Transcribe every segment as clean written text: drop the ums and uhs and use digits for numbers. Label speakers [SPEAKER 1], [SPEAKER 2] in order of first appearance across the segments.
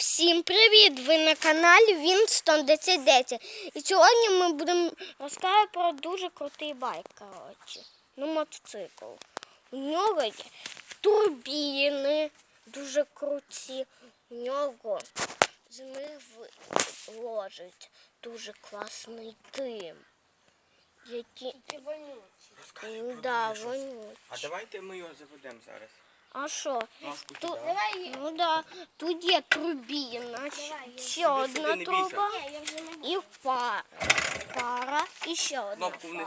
[SPEAKER 1] Всім привіт! Ви на каналі Winston 1010. І сьогодні ми будемо розказувати про дуже крутий байк, мотоцикл. У нього є турбіни дуже круті, у нього з них ложить дуже класний дим. Які... Да, вонючі.
[SPEAKER 2] А давайте ми його заведемо зараз.
[SPEAKER 1] А що?
[SPEAKER 2] Тут...
[SPEAKER 1] Тут є турбіна, ще одна труба і пара, і ще одна
[SPEAKER 2] Кнопку вниз.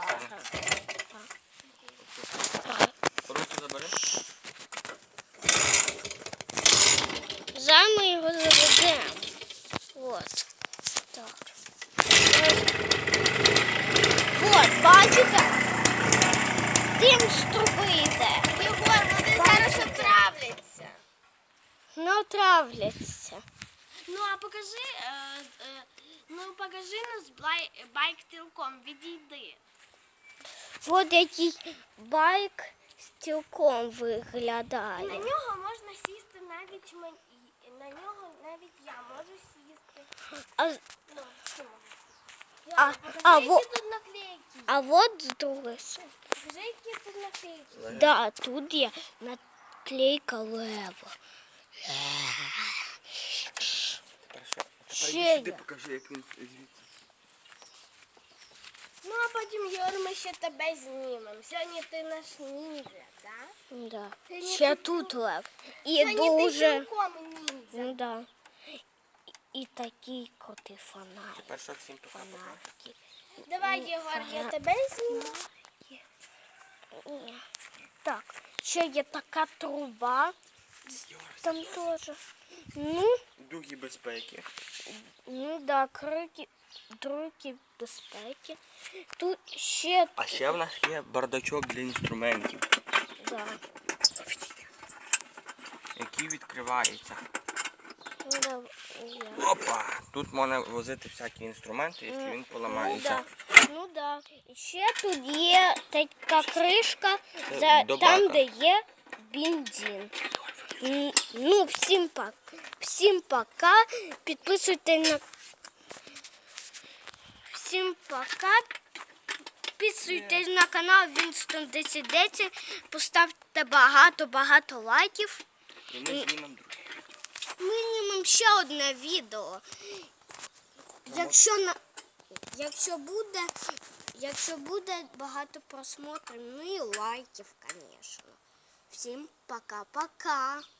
[SPEAKER 1] пара.
[SPEAKER 2] Руку забери.
[SPEAKER 1] Зараз ми його заведемо. От. Так. От, бачите? Дим з труби йде.
[SPEAKER 3] Вони зараз отравляться.
[SPEAKER 1] Не отравляться.
[SPEAKER 3] Ну, а покажи, покажи нас байк цілком, відійди.
[SPEAKER 1] От який байк цілком виглядає.
[SPEAKER 3] На нього можна сісти навіть на нього навіть я можу сісти. Тут наклейки.
[SPEAKER 1] А от з другої сторони.
[SPEAKER 3] Покажи, які тут наклейки.
[SPEAKER 1] Да, тут є наклейка Лева. Ще
[SPEAKER 2] Сюди
[SPEAKER 1] є.
[SPEAKER 2] покажи, як він звідси.
[SPEAKER 3] Ну, а потім, Юр, ми ще тебе знімемо. Сьогодні ти наш ніндзя, так?
[SPEAKER 1] Да.
[SPEAKER 3] Сьогодні
[SPEAKER 1] Ще
[SPEAKER 3] ти
[SPEAKER 1] тут Лев. І
[SPEAKER 3] Сьогодні ти
[SPEAKER 1] дуже.
[SPEAKER 3] цілком ніндзя.
[SPEAKER 1] Ну да. І такий крутий фонарик.
[SPEAKER 2] Перша всім пока.
[SPEAKER 1] Фонарики.
[SPEAKER 3] Давай, Єгор, я тебе зніму.
[SPEAKER 1] Так, ще є така труба. Там теж. Ну,
[SPEAKER 2] Дуги безпеки.
[SPEAKER 1] да, другі безпеки. Тут ще,
[SPEAKER 2] А ще в нас є бардачок для інструментів,
[SPEAKER 1] да.
[SPEAKER 2] який відкривається.
[SPEAKER 1] Да, є.
[SPEAKER 2] Опа! Тут можна возити всякі інструменти, якщо він поламається.
[SPEAKER 1] Ну да. І ще тут є така кришка,
[SPEAKER 2] до
[SPEAKER 1] там,
[SPEAKER 2] бака.
[SPEAKER 1] де є бензин. Ну, всім пока. Підписуйтесь на канал Winston 1010. Поставте багато лайків.
[SPEAKER 2] І ми знімемо друге.
[SPEAKER 1] Ми знімемо ще одне відео. Якщо буде багато просмотрів, ну і лайків, звісно. Всім пока-пока.